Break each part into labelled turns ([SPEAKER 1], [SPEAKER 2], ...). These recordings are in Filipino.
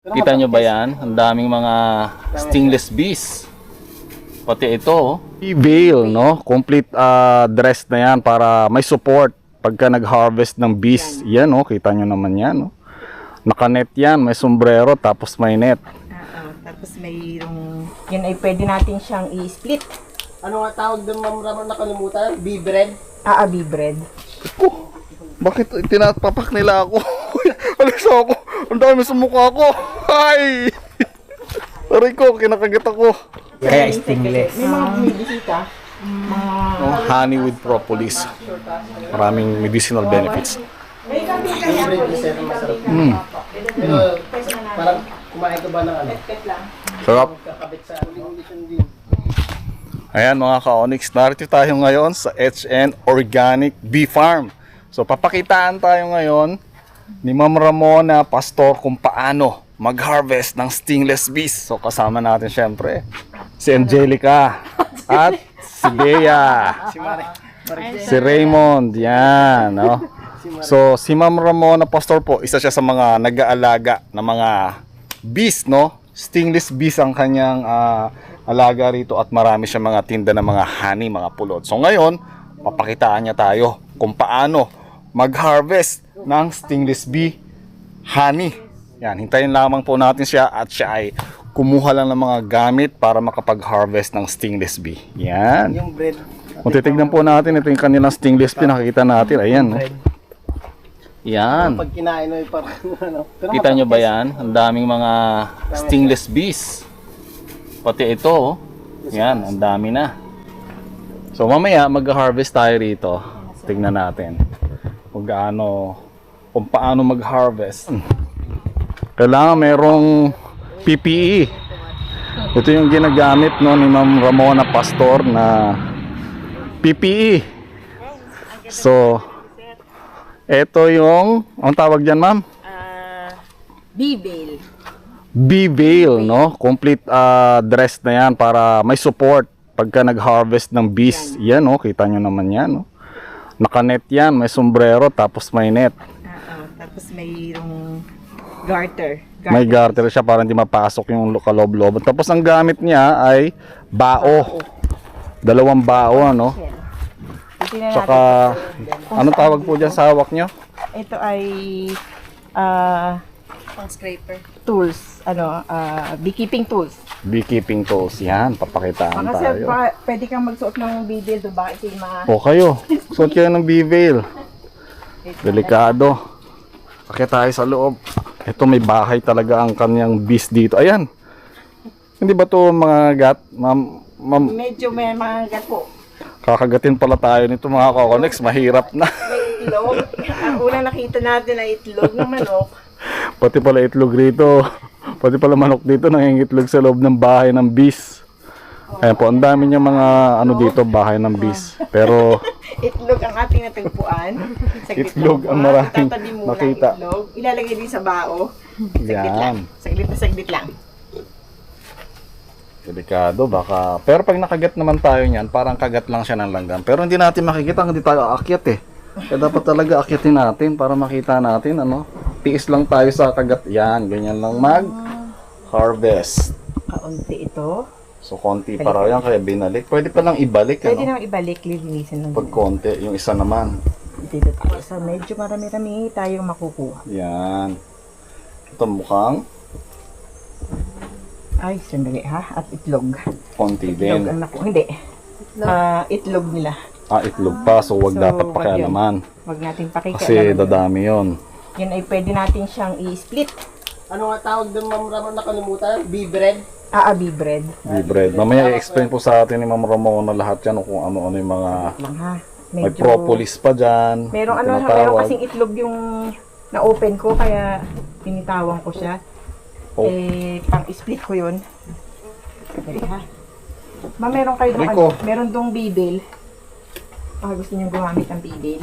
[SPEAKER 1] Kita nyo ba yan? Ang daming mga stingless bees. Pati ito, oh. Veil, no? Complete dress na yan para may support pagka nag-harvest ng bees. Yan, oh. Kita nyo naman yan, no? Naka-net yan, may sombrero, tapos may net.
[SPEAKER 2] Tapos mayroong, yun ay pwede natin siyang i-split.
[SPEAKER 3] Ano nga tawag doon, Ma'am Ramon, nakalimutan? Bee bread?
[SPEAKER 2] Bee bread.
[SPEAKER 4] Oh, bakit tinapapak nila ako? Alis ako. Ang dami sa mukha ko. Ay! Aray ko, kinakagat ako.
[SPEAKER 5] Kaya stingless.
[SPEAKER 2] May mga bumibisita.
[SPEAKER 4] Oh, honey with propolis. Maraming medicinal benefits.
[SPEAKER 2] May kami
[SPEAKER 3] Bee bread is masarap. Pero parang kumain ka ba ng ano?
[SPEAKER 4] Sarap.
[SPEAKER 3] Kakabit sa limitation din.
[SPEAKER 4] Ayan mga ka-Onyx, narito tayo ngayon sa HN Organic Bee Farm. So papakitaan tayo ngayon ni Ma'am Ramona Pastor kung paano mag-harvest ng stingless bees. So kasama natin syempre si Angelica at si Bea, si Raymond, yan, no? So si Ma'am Ramona Pastor po, isa siya sa mga nag-aalaga ng mga bees, no? Stingless bees ang kanyang alaga rito at marami siya mga tinda ng mga honey, mga pulot. So ngayon, papakitaan niya tayo kung paano mag-harvest ng stingless bee honey. Yan, hintayin lamang po natin siya at siya ay kumuha lang ng mga gamit para makapag-harvest ng stingless bee. Yan.
[SPEAKER 3] Yung bread.
[SPEAKER 4] Kung titignan po natin, ito yung kanilang stingless bee, nakikita natin. Ayan, no? Yan.
[SPEAKER 3] Pag kinain mo, parang ano. Pero
[SPEAKER 1] Kita nyo ba yan? Ang daming mga stingless bees. Pati ito, oh. Yan, ang dami na. So mamaya mag-harvest tayo rito. Tignan natin kung paano mag-harvest. Kailangan merong PPE. Ito yung ginagamit, no, ni Ma'am Ramona Pastor na PPE. So ito yung, ang tawag dyan, ma'am?
[SPEAKER 2] Bee veil.
[SPEAKER 4] Bee veil, no? Complete dress na yan para may support pagka nag-harvest ng bees. Yan, no? Kita nyo naman yan, no? Naka-net yan, may sombrero, tapos may net.
[SPEAKER 2] Tapos mayroong garter.
[SPEAKER 4] May garter siya para hindi mapasok yung kaloob-loob. Tapos ang gamit niya ay bao. Dalawang bao, ano? Tsaka, anong tawag po dyan sa hawak nyo?
[SPEAKER 2] Ito ay pang scraper tools, beekeeping tools.
[SPEAKER 4] Beekeeping tools. Yan, papakitaan
[SPEAKER 2] Kasi
[SPEAKER 4] tayo.
[SPEAKER 2] pwede kang magsuot ng bee veil, baka ito yung mga
[SPEAKER 4] O kayo, suot kayo ng bee veil. Delikado. Akit tayo sa loob. Ito may bahay talaga ang kanyang bees dito. Ayan. Hindi ba to mga gat? Ma'am,
[SPEAKER 2] medyo may mga gat po.
[SPEAKER 4] kakagatin pala tayo nito mga ka-Onyx. Mahirap na.
[SPEAKER 2] May itlog. Ang unang nakita natin ay itlog ng manok.
[SPEAKER 4] Pati pala itlog rito. Pati pala manok dito nangingitlog sa loob ng bahay ng bees. Ayan po, ang dami niya mga ano dito, bahay ng bees. Pero
[SPEAKER 2] Itlog ang ating natagpuan. Saglit
[SPEAKER 4] Itlog
[SPEAKER 2] lang
[SPEAKER 4] ang
[SPEAKER 2] po,
[SPEAKER 4] maraming
[SPEAKER 2] itatabi muna ang
[SPEAKER 4] nakita.
[SPEAKER 2] Itlog. Ilalagay din sa bao. Saglit
[SPEAKER 4] Yan.
[SPEAKER 2] lang. Saglit lang.
[SPEAKER 4] delikado baka. Pero pag nakagat naman tayo niyan, parang kagat lang siya ng langgam. Pero hindi natin makikita, hindi tayo aakyat eh. Kaya dapat talaga akyatin natin para makita natin ano. Tiis lang tayo sa kagat. Yan, ganyan lang mag-harvest.
[SPEAKER 2] Kaunti ito.
[SPEAKER 4] So konti para yan kaya binalik. Pwede pa lang ibalik
[SPEAKER 2] Pwede
[SPEAKER 4] ano.
[SPEAKER 2] naman ibalik, lilinisin lang.
[SPEAKER 4] Pag konti, yung isa naman.
[SPEAKER 2] Dito tayo. So medyo marami-rami tayong makukuha.
[SPEAKER 4] Yan. Ito mukhang
[SPEAKER 2] Ay, sandali ha. At itlog.
[SPEAKER 4] konti
[SPEAKER 2] Itlog
[SPEAKER 4] din.
[SPEAKER 2] ang naku. Hindi. Itlog nila.
[SPEAKER 4] Itlog pa. So wag
[SPEAKER 2] So,
[SPEAKER 4] dapat
[SPEAKER 2] wag
[SPEAKER 4] pakialaman.
[SPEAKER 2] Huwag natin pakikalaman.
[SPEAKER 4] Kasi dadami yon.
[SPEAKER 2] Yan ay pwede natin siyang i-split.
[SPEAKER 3] Ano nga tawag doon, Ma'am Ramon, nakalimutan? Bee bread?
[SPEAKER 2] Bee bread.
[SPEAKER 4] Bee bread. Mamaya i-explain po sa atin ni Ma'am Ramona lahat yan kung ano-ano yung mga
[SPEAKER 2] Lang ha.
[SPEAKER 4] may propolis pa dyan.
[SPEAKER 2] Merong
[SPEAKER 4] yung
[SPEAKER 2] meron
[SPEAKER 4] tinatawag.
[SPEAKER 2] kasing itlog yung na-open ko kaya pinitawan ko siya.
[SPEAKER 4] Oh.
[SPEAKER 2] Pang-split ko yun. Dali ha. Meron kayo dong
[SPEAKER 4] Rico.
[SPEAKER 2] meron dong bibel. Baka gusto niyo gumamit ng bibel.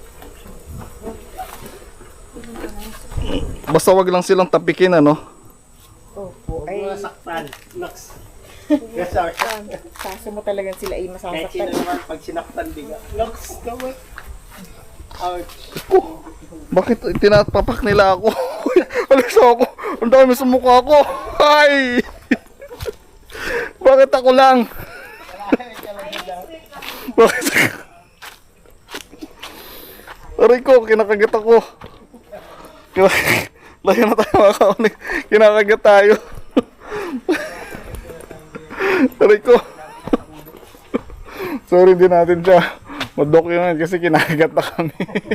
[SPEAKER 4] Basta wag lang silang tapikin ano.
[SPEAKER 2] Opo.
[SPEAKER 3] Huwag mo saktan. Lux. Yes, sir.
[SPEAKER 2] Kaso mo talagang sila ay
[SPEAKER 3] Kahit sino
[SPEAKER 2] masasaktan.
[SPEAKER 3] naman pag sinaktan biga. Lux, gawin. Ouch.
[SPEAKER 4] Bakit tinapapak nila ako? Alis ako. Ang dami sa mukha ko. Ay! Bakit ako lang? Bakit ako? Aray ko, kinakagat ako. Layo na tayo mga kaonik. Kinakagat tayo. Aray ko. Sorry din natin siya ma-document kasi kinakagat na kami.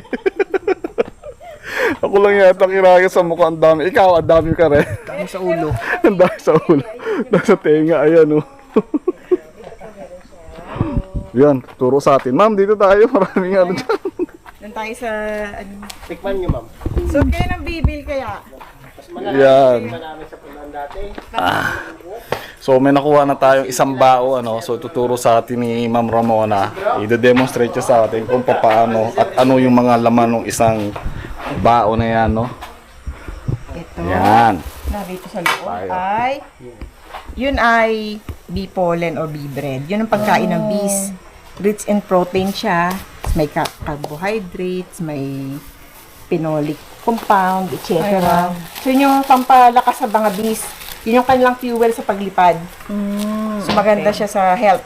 [SPEAKER 4] Ako lang yata kinagat sa mukha. Ang dami. Ikaw, ang dami ka rin.
[SPEAKER 3] Dami sa ulo.
[SPEAKER 4] Ang dami sa ulo. Nasa tenga. Ayan, oh. Yan, turo sa atin. Ma'am, dito tayo. Maraming ano dyan.
[SPEAKER 2] Doon tayo sa, ano.
[SPEAKER 3] Tikman nyo, ma'am.
[SPEAKER 2] So, kayo ng bibil kaya?
[SPEAKER 3] Mas malaki
[SPEAKER 4] Yan.
[SPEAKER 3] namin sa punan dati.
[SPEAKER 4] So may nakuha na tayong isang bao, ano. So tuturo sa atin ni Ma'am Ramona. I-demonstrate siya sa atin kung paano at ano yung mga laman ng isang bao na yan, no.
[SPEAKER 2] Ito.
[SPEAKER 4] Yan.
[SPEAKER 2] Narito sa loob
[SPEAKER 4] Tayo.
[SPEAKER 2] ay, yun ay bee pollen or bee bread. Yun ang pagkain ng bees. Rich in protein siya. May carbohydrates, may phenolic compound, etc. So yun yung pampalakas sa mga bees. Yun yung kanilang fuel sa paglipad. So maganda siya sa health.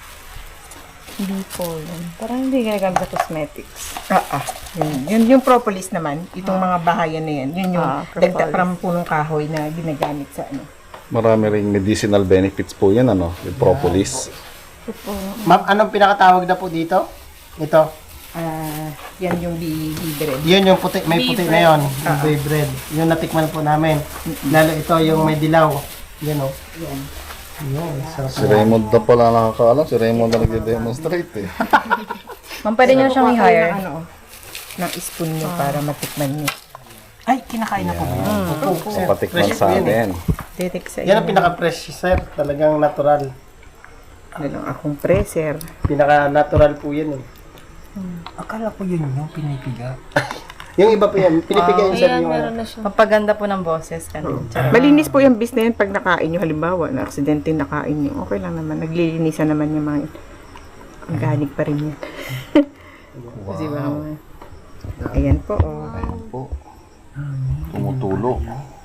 [SPEAKER 5] Bee pollen. Parang hindi ginagamit sa cosmetics.
[SPEAKER 2] Yun yung propolis naman. Itong mga bahayan na yan. Yun yung
[SPEAKER 5] propolis.
[SPEAKER 2] dagdag parang punong kahoy na ginagamit sa ano.
[SPEAKER 4] Marami ring medicinal benefits po yan, ano. Yung propolis.
[SPEAKER 3] Ma'am, anong pinakatawag na po dito? Ito.
[SPEAKER 2] Yan yung bee bread.
[SPEAKER 3] Yun yung puti, may puti na yun. Yung bee bread. Yung natikman po namin. Lalo ito yung may dilaw. Yan o.
[SPEAKER 2] Yan.
[SPEAKER 3] Yun, sarap
[SPEAKER 4] Si Raymond na pala nakakaalam. Si Raymond na nagde-demonstrate, eh.
[SPEAKER 5] Ma'am, pwede nyo siyang i-hire.
[SPEAKER 2] Ng, ano, ng spoon nyo para matikman nyo.
[SPEAKER 3] Ay, kinakain na po. Opo, sir.
[SPEAKER 4] Patikman
[SPEAKER 3] Fresh
[SPEAKER 4] sa
[SPEAKER 3] po yan eh.
[SPEAKER 4] atin.
[SPEAKER 2] Detek sa
[SPEAKER 3] Yan ang pinaka-fresh, sir. Talagang natural.
[SPEAKER 2] Ano lang akong preser.
[SPEAKER 3] Pinaka-natural po yan eh. Akala ko yun yung pinipiga. yung iba po yan. Pinipiga yun, sir. Yung ano.
[SPEAKER 5] Papaganda po ng boses.
[SPEAKER 2] Malinis po yung bis na yan pag nakain nyo. Halimbawa, na aksidente nakain nyo. Okay lang naman. Naglilinisan naman yung mga organic pa rin yan. Kasi ba? Ayan po. Oh.
[SPEAKER 4] Ayan po. Tumutulo.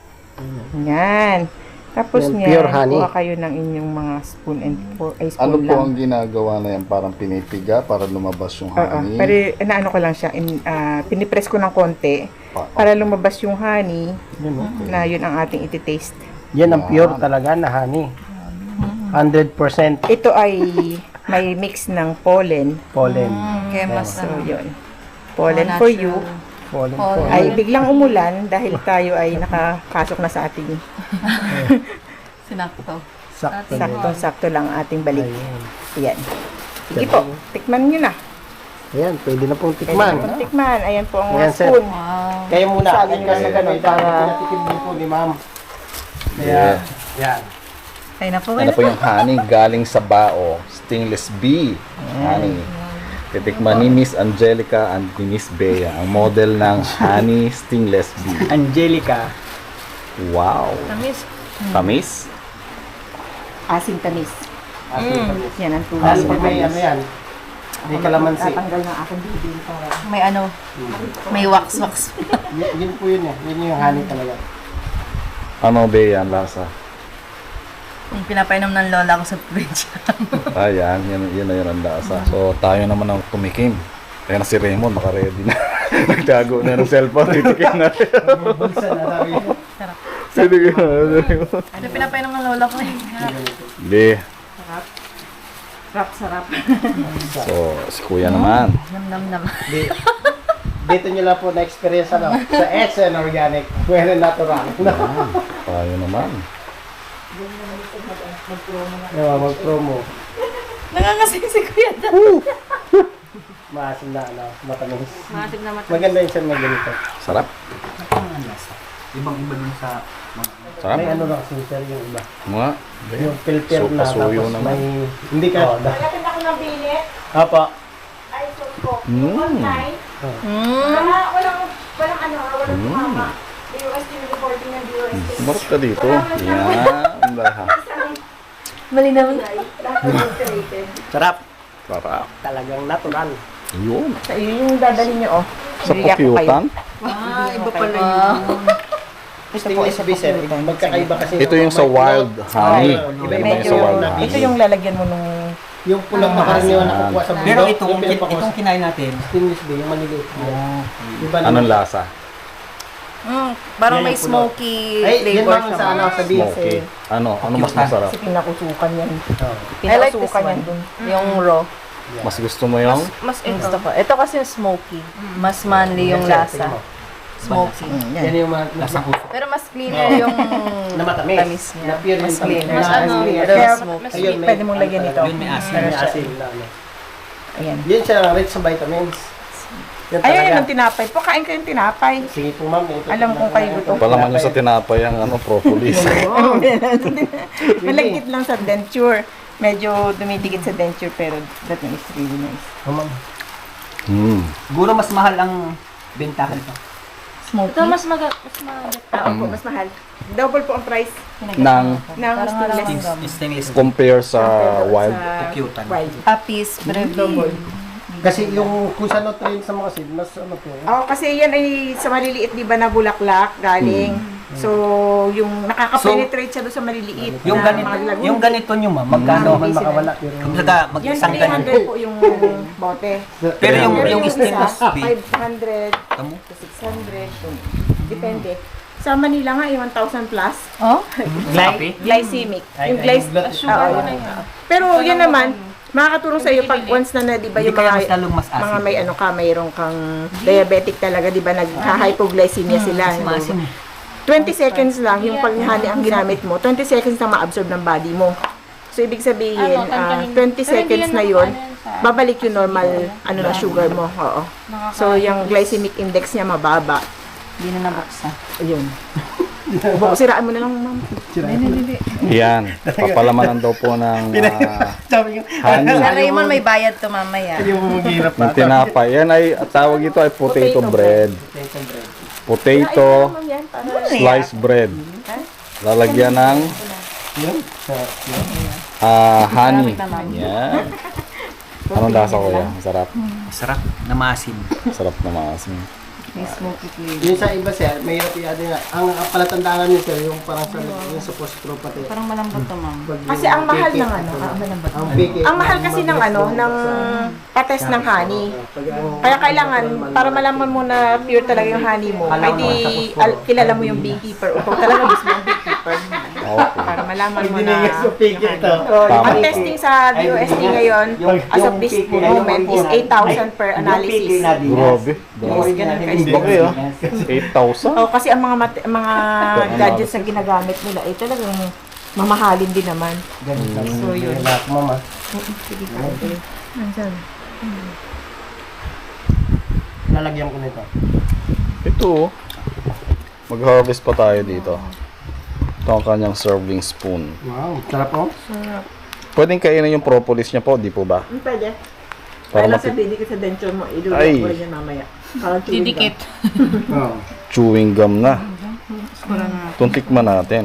[SPEAKER 2] Yan. Tapos
[SPEAKER 3] Yan,
[SPEAKER 2] niya,
[SPEAKER 3] pure honey.
[SPEAKER 2] kuha kayo ng inyong mga spoon and spoon
[SPEAKER 4] Ano po
[SPEAKER 2] lang.
[SPEAKER 4] ang ginagawa na yan? Parang pinipiga para lumabas yung honey?
[SPEAKER 2] Pero inaano ko lang siya, pinipress ko ng konti para lumabas yung honey na yun ang ating iti-taste.
[SPEAKER 3] Yan ang pure talaga na honey. 100%
[SPEAKER 2] Ito ay may mix ng pollen.
[SPEAKER 3] pollen.
[SPEAKER 5] Kaya mas
[SPEAKER 2] So yun. Pollen for you.
[SPEAKER 3] Pollen po.
[SPEAKER 2] Ay biglang umulan dahil tayo ay nakakasok na sa ating
[SPEAKER 5] sinakto.
[SPEAKER 3] Sakto.
[SPEAKER 2] saktong-sakto lang ang ating balik. Ayan. Sige po, tikman nyo na.
[SPEAKER 3] Ayan, pwede na pong
[SPEAKER 2] Pwede
[SPEAKER 3] tikman.
[SPEAKER 2] na pong tikman. Ayan po ang
[SPEAKER 3] Ayan, sir.
[SPEAKER 2] spoon.
[SPEAKER 5] Wow.
[SPEAKER 3] Kayo muna.
[SPEAKER 2] Sabi nyo na ganun para-
[SPEAKER 3] Pinatikim din po ni ma'am.
[SPEAKER 4] Yeah.
[SPEAKER 3] Yan.
[SPEAKER 5] Kaya na po
[SPEAKER 4] Ano po yung honey galing sa bao? Stingless bee. Honey. Titikman ni Miss Angelica and ni Miss Bea, ang model ng honey stingless bee.
[SPEAKER 3] Angelica.
[SPEAKER 4] Wow.
[SPEAKER 5] Tamis.
[SPEAKER 4] Tamis?
[SPEAKER 2] Asim tamis. Yan ang tuloy.
[SPEAKER 3] Lalo pag may ano yan. May kalamansi.
[SPEAKER 2] Tatanggal ng aking bibig para
[SPEAKER 5] May ano, may wax.
[SPEAKER 3] Yun po yun eh. Yun yung honey talaga.
[SPEAKER 4] Ano Bea ang lasa?
[SPEAKER 5] Yung pinapainom ng lola ko sa probinsya.
[SPEAKER 4] Ayan, yun na yun ang lasa. So tayo naman ang tumikim. Kaya na si Raymond, naka-ready na. Nagtago na ng cellphone, titikim na rin.
[SPEAKER 3] Bulsa na sabi mo.
[SPEAKER 4] Titikim na rin.
[SPEAKER 5] Ano pinapainom ng lola ko eh.
[SPEAKER 4] Hindi.
[SPEAKER 2] sarap.
[SPEAKER 4] So, si Kuya naman.
[SPEAKER 5] Nam.
[SPEAKER 3] Dito nyo lang po na-experience ano. Sa SN Organic. Well natural.
[SPEAKER 4] Tayo naman.
[SPEAKER 3] Mag-promo.
[SPEAKER 5] Nangangasin si Kuya Dan.
[SPEAKER 3] Maasim na ano. Matamis.
[SPEAKER 5] Masim na
[SPEAKER 3] Maganda yung sir may ganito.
[SPEAKER 4] Sarap.
[SPEAKER 3] Ibang-iba din sa...
[SPEAKER 4] Sarap.
[SPEAKER 3] May ano lang kasi sir yung iba.
[SPEAKER 4] Mga.
[SPEAKER 3] Yung filter na
[SPEAKER 4] Pasuyo
[SPEAKER 3] tapos
[SPEAKER 4] naman.
[SPEAKER 3] may... Hindi ka...
[SPEAKER 2] Malapit ako ng bilit.
[SPEAKER 3] Apa.
[SPEAKER 2] Ay, so ko.
[SPEAKER 4] Mm.
[SPEAKER 2] Online. Walang ano, walang tumama. DOST yung reporting ng DOST.
[SPEAKER 4] Sumarap ka dito. Yan. Lahat.
[SPEAKER 5] Malinaw.
[SPEAKER 2] Lahat adulterated.
[SPEAKER 3] Sarap.
[SPEAKER 4] Sarap.
[SPEAKER 3] Talagang natural.
[SPEAKER 4] Yun.
[SPEAKER 2] So, yun yung dadalhin nyo, oh.
[SPEAKER 4] Sa
[SPEAKER 2] Bibigyan ko kayo.
[SPEAKER 4] pukyutan.
[SPEAKER 5] Iba pala yun.
[SPEAKER 3] stainless
[SPEAKER 2] isa
[SPEAKER 3] bees,
[SPEAKER 2] po.
[SPEAKER 3] magkakaiba kasi.
[SPEAKER 1] Ito yung sa wild honey.
[SPEAKER 3] Iba-iba
[SPEAKER 1] Yung
[SPEAKER 2] Medyo,
[SPEAKER 1] sa wild honey.
[SPEAKER 2] ito yung lalagyan mo nung
[SPEAKER 3] Yung pulang makaraniwan na kukuha sa bundok.
[SPEAKER 6] Pero itong,
[SPEAKER 3] yung pinapakos-
[SPEAKER 6] itong kinain natin,
[SPEAKER 3] stainless bee, yung maliliit. Iba naman.
[SPEAKER 1] Anong lasa?
[SPEAKER 5] Parang
[SPEAKER 3] Yan
[SPEAKER 5] may
[SPEAKER 3] yung pulo.
[SPEAKER 5] smoky
[SPEAKER 3] Ay, yan
[SPEAKER 5] flavor
[SPEAKER 3] lang
[SPEAKER 5] siya.
[SPEAKER 3] sa ano, sa beef.
[SPEAKER 1] Smoky. Ano mas masarap?
[SPEAKER 2] kasi pinakusukan yan.
[SPEAKER 5] I like this
[SPEAKER 2] Pinakasukan yan
[SPEAKER 5] one.
[SPEAKER 2] dun.
[SPEAKER 5] Yung raw.
[SPEAKER 1] Mas gusto mo yung?
[SPEAKER 5] Mas gusto ko. Ito kasi yung smoky. Mas manly yung lasa. Smoky.
[SPEAKER 3] Yan yung mga
[SPEAKER 6] lasang puso.
[SPEAKER 5] Pero mas cleaner yung
[SPEAKER 3] na matamis.
[SPEAKER 5] tamis niya.
[SPEAKER 3] Na pure
[SPEAKER 5] Mas
[SPEAKER 3] yung
[SPEAKER 5] cleaner.
[SPEAKER 3] tamis.
[SPEAKER 5] Mas ano,
[SPEAKER 3] Clear.
[SPEAKER 5] pero
[SPEAKER 2] Kaya,
[SPEAKER 5] smoky.
[SPEAKER 3] Ayun, may-
[SPEAKER 2] pwede mong lagyan ito.
[SPEAKER 6] Yun, may asin.
[SPEAKER 3] May asin na ano.
[SPEAKER 2] Ayan.
[SPEAKER 3] Yan siya, rich sa vitamins. Yan
[SPEAKER 2] Ayun
[SPEAKER 3] talaga.
[SPEAKER 2] yung tinapay. Pakain ko yung tinapay.
[SPEAKER 3] Sige po ma'am. ito
[SPEAKER 2] Alam
[SPEAKER 3] po
[SPEAKER 2] kong
[SPEAKER 3] na-
[SPEAKER 2] kayo gutom.
[SPEAKER 1] Palaman nyo sa tinapay ang propolis.
[SPEAKER 2] Malagkit lang sa denture. Medyo dumidikit sa denture pero that one is really nice.
[SPEAKER 3] Oh, ma'am.
[SPEAKER 6] Siguro mas mahal ang bentahan ito.
[SPEAKER 2] Smoky.
[SPEAKER 5] Ito mas magat.
[SPEAKER 2] Opo, mas mahal. Double po ang price
[SPEAKER 1] Nang
[SPEAKER 2] ng stainless.
[SPEAKER 6] Stainless.
[SPEAKER 1] compare sa wild.
[SPEAKER 6] Cute.
[SPEAKER 2] Wild.
[SPEAKER 5] Apis, brevi.
[SPEAKER 3] Kasi yung kung sa nutrient sa mga seed, mas ano po.
[SPEAKER 2] Oo, kasi yan ay sa maliliit, di ba, na bulaklak galing. So, yung nakaka-penetrate siya doon sa maliliit.
[SPEAKER 6] Yung
[SPEAKER 2] na
[SPEAKER 6] ganito,
[SPEAKER 2] mga lagun.
[SPEAKER 6] yung ganito nyo ma'am, magkano?
[SPEAKER 3] Man makawala. Pero
[SPEAKER 6] Kumbaga,
[SPEAKER 2] Yan,
[SPEAKER 6] mag-isang ganyan.
[SPEAKER 2] 300 po yung bote.
[SPEAKER 6] Pero yung,
[SPEAKER 2] Pero
[SPEAKER 6] yung stainless
[SPEAKER 2] isa,
[SPEAKER 6] bee,
[SPEAKER 2] 500
[SPEAKER 6] tamo?
[SPEAKER 2] to 600. Depende. Sa Manila nga, 1,000 plus.
[SPEAKER 5] Oh?
[SPEAKER 6] Grabe.
[SPEAKER 2] Glycemic.
[SPEAKER 3] Ay,
[SPEAKER 2] Yung
[SPEAKER 3] ay,
[SPEAKER 2] glyc...
[SPEAKER 3] yung blood
[SPEAKER 2] Oo, yun. Pero yun naman, makakatulong sa iyo pag once na di ba
[SPEAKER 6] Hindi
[SPEAKER 2] yung
[SPEAKER 6] kaya mas
[SPEAKER 2] mga
[SPEAKER 6] lalong mas asin.
[SPEAKER 2] mga may ano ka, mayroon kang diabetic talaga, di ba, nagka-hypoglycemia sila.
[SPEAKER 6] Mas maasim.
[SPEAKER 2] 20 seconds lang yung paghani ang ginamit mo, 20 seconds na ma-absorb ng body mo. So, ibig sabihin, 20 seconds na yun, babalik yung normal na sugar mo. Oo. So, yung glycemic index niya mababa.
[SPEAKER 5] Hindi na nabuksan.
[SPEAKER 2] Ayun. Siraan mo na lang, ma'am.
[SPEAKER 1] Yan. Papalamanan daw po ng
[SPEAKER 3] sabi ko,
[SPEAKER 1] honey.
[SPEAKER 5] Sa Raymond, may bayad to mamaya.
[SPEAKER 3] yung mahirap
[SPEAKER 1] Ng tinapay. Yan ay, tawag ito ay potato bread. Potato
[SPEAKER 2] Yan, para
[SPEAKER 1] sliced bread. Lalagyan ng honey. Yan. Anong lasa ko yan? Masarap.
[SPEAKER 6] Masarap na maasim.
[SPEAKER 1] Masarap na maasim.
[SPEAKER 5] May smoky flavor.
[SPEAKER 3] yung sa iba sir, mahirap i-add nga. Ang palatandaan niyo sir, yung parang sa yung sa postro pati.
[SPEAKER 5] Parang malambot to, ma'am.
[SPEAKER 2] Kasi ang mahal ng ano,
[SPEAKER 3] Ang big
[SPEAKER 2] ang mahal kasi ng ano, ng pates ng honey. Kaya kailangan, para malaman mo na pure talaga yung honey mo, ay di kilala mo yung beekeeper. O kung talaga mismo ang beekeeper.
[SPEAKER 1] Okay.
[SPEAKER 2] Para malaman mo
[SPEAKER 3] Hindi
[SPEAKER 2] na.
[SPEAKER 3] na yung sa pig ito.
[SPEAKER 2] Ang testing sa DOST ngayon, as of this moment, is 8,000 per analysis.
[SPEAKER 1] Grabe.
[SPEAKER 2] Yes, ganun ka.
[SPEAKER 1] Okay ah. 8,000?
[SPEAKER 2] Oh, kasi ang mga gadgets na ginagamit nila, ay talagang mamahalin din naman. So, yun.
[SPEAKER 3] Lahat mama.
[SPEAKER 2] Sige ka. Nandiyan.
[SPEAKER 3] Lalagyan ko nito.
[SPEAKER 1] Ito oh. Mag-harvest pa tayo dito. Ito ang kanyang serving spoon.
[SPEAKER 3] Wow, sarap po.
[SPEAKER 1] Pwedeng kainin yung propolis niya po, di po ba?
[SPEAKER 2] Pwede.
[SPEAKER 1] Para
[SPEAKER 2] Kaya lang
[SPEAKER 1] mati-
[SPEAKER 2] sabihin ko sa denture mo,
[SPEAKER 1] Ay.
[SPEAKER 2] ilulok ko rin yan mamaya. Parang chewing
[SPEAKER 5] Didikit.
[SPEAKER 3] Oh.
[SPEAKER 1] chewing gum na. Tuntikman natin.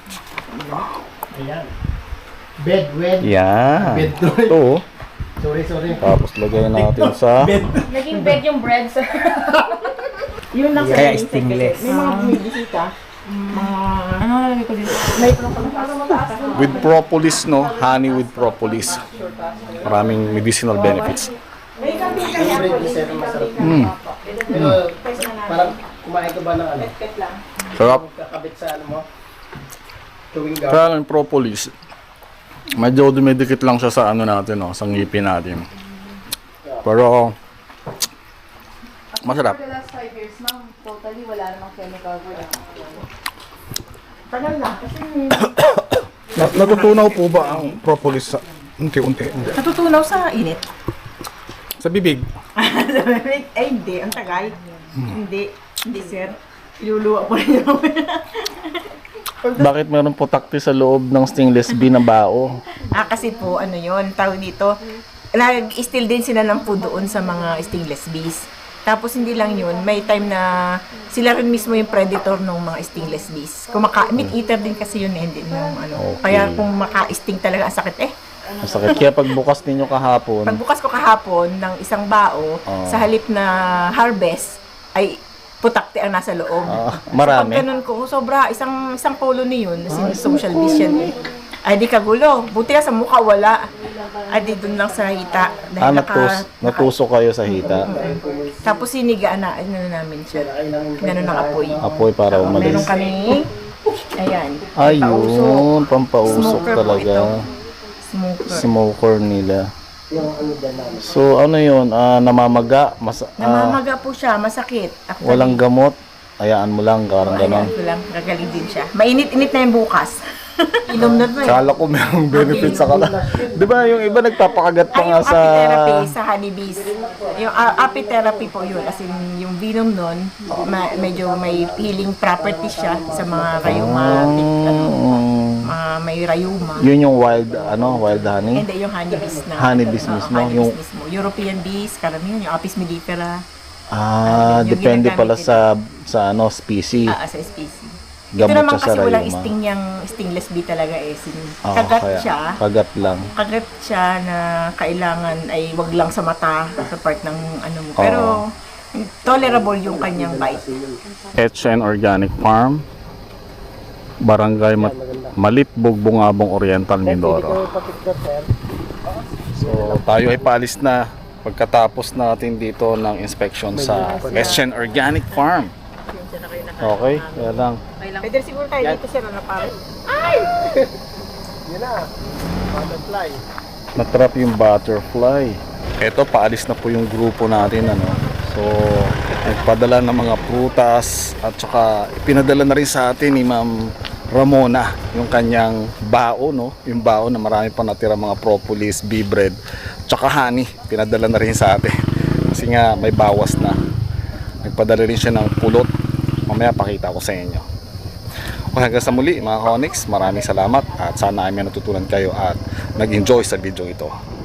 [SPEAKER 3] Ayan. Bed, wed.
[SPEAKER 1] Yan.
[SPEAKER 3] Bed.
[SPEAKER 1] Ito oh.
[SPEAKER 3] Sorry.
[SPEAKER 1] Tapos lagay natin sa...
[SPEAKER 5] Naging bed yung bread, sir.
[SPEAKER 2] Yun lang sa
[SPEAKER 6] Kaya
[SPEAKER 2] dating
[SPEAKER 6] stingless.
[SPEAKER 2] secret. May mga bumibisita.
[SPEAKER 5] Ano nalagay ko dito?
[SPEAKER 1] With propolis, no? Honey with propolis. Maraming medicinal benefits.
[SPEAKER 3] Yung bread ni sir, masarap. Pero parang kumain ka ba ng ano?
[SPEAKER 1] Sarap.
[SPEAKER 3] Kakabit sa ano mo? Chewing gum.
[SPEAKER 1] Kaya lang propolis, medyo dumidikit lang siya sa ano natin, no? Sa ngipin natin. Pero, masarap.
[SPEAKER 5] For the last 5 years, ma'am, totally wala namang chemical wala.
[SPEAKER 2] Tagal na. Kasi
[SPEAKER 1] Natutunaw po ba ang propolis sa unti-unti?
[SPEAKER 2] natutunaw sa init.
[SPEAKER 1] Sa bibig?
[SPEAKER 2] Ay, hindi. Ang tagal. Hindi. Hindi, sir. Iluluwa po rin yung
[SPEAKER 1] Bakit meron po takti sa loob ng stainless bee na bao?
[SPEAKER 2] kasi po, ano yun, tawag dito, nag-still din sila ng food doon sa mga stainless bees. Tapos hindi lang yun, may time na sila rin mismo yung predator ng mga stainless bees. Meat eater din kasi yun hindi yung ano.
[SPEAKER 1] Okay.
[SPEAKER 2] Kaya kung maka-sting talaga, ang sakit
[SPEAKER 1] Masakit. Kaya pagbukas ninyo kahapon,
[SPEAKER 2] Pagbukas ko kahapon ng isang bao, sa halip na harvest, ay putakti ang nasa loob.
[SPEAKER 1] Marami.
[SPEAKER 2] So, pag ganun ko, sobra, isang colony yun, kasi social beast yan eh. Ay, di kagulo. Buti nga sa mukha, wala. Ay, di dun lang sa hita. Dahil
[SPEAKER 1] Natusok kayo sa hita.
[SPEAKER 2] Tapos sinigaan na, namin siya. Ganun ng apoy.
[SPEAKER 1] Apoy para
[SPEAKER 2] Meron
[SPEAKER 1] umalis.
[SPEAKER 2] kami, ayan.
[SPEAKER 1] Ayun, pampausok
[SPEAKER 2] Smoker po
[SPEAKER 1] talaga.
[SPEAKER 2] ito. Smoker.
[SPEAKER 1] Smoker nila. So ano yun, namamaga,
[SPEAKER 2] Namamaga po siya, masakit. Actually,
[SPEAKER 1] walang gamot, hayaan mo lang, karang ganon.
[SPEAKER 2] Ayan ko lang, gagaling din siya. Mainit-init na yung bukas. Inom na to eh.
[SPEAKER 1] Kala ko merong benefit sa kanila. Di ba yung iba nagpapakagat pa
[SPEAKER 2] Ay,
[SPEAKER 1] nga
[SPEAKER 2] yung
[SPEAKER 1] sa...
[SPEAKER 2] apitherapy sa honeybees. Yung apitherapy po yun. As in, yung venom nun, medyo may healing properties siya sa mga rheumatic, mga may rheuma.
[SPEAKER 1] Yun yung wild honey?
[SPEAKER 2] Hindi, yung honeybees na.
[SPEAKER 1] Honeybees
[SPEAKER 2] Oo,
[SPEAKER 1] mismo?
[SPEAKER 2] honeybees mismo. European bees, karamihan, yung Apis mellifera. Yung
[SPEAKER 1] Depende
[SPEAKER 2] ginagamit
[SPEAKER 1] pala
[SPEAKER 2] nila.
[SPEAKER 1] sa species.
[SPEAKER 2] Sa species.
[SPEAKER 1] Gamot
[SPEAKER 2] Ito naman
[SPEAKER 1] siya sa
[SPEAKER 2] kasi walang
[SPEAKER 1] rheuma.
[SPEAKER 2] sting yung stingless bee talaga eh. Kagat
[SPEAKER 1] Kaya,
[SPEAKER 2] siya.
[SPEAKER 1] kagat lang.
[SPEAKER 2] Kagat siya na kailangan ay wag lang sa mata, sa part ng ano mo. Pero tolerable yung kanyang bite.
[SPEAKER 1] HN Organic Farm, Barangay Malitbog, Bungabong Oriental, Mindoro. So tayo ay paalis na pagkatapos natin dito ng inspection sa HN Organic Farm. Okay, kaya lang.
[SPEAKER 2] Pwede siguro tayo dito sir na parang
[SPEAKER 3] Yun na. Butterfly.
[SPEAKER 1] Natrap yung butterfly. Ito, paalis na po yung grupo natin, ano. So, nagpadala ng mga prutas at saka pinadala na rin sa atin ni Ma'am Ramona yung kanyang bao, no? Yung bao na marami pa natira mga propolis, bee bread, tsaka honey. Pinadala na rin sa atin. Kasi nga may bawas na. Nagpadala rin siya ng pulot. Mamaya pakita ko sa inyo. Okay, hanggang sa muli mga Konix, maraming salamat at sana ay may natutunan kayo at nag-enjoy sa video ito.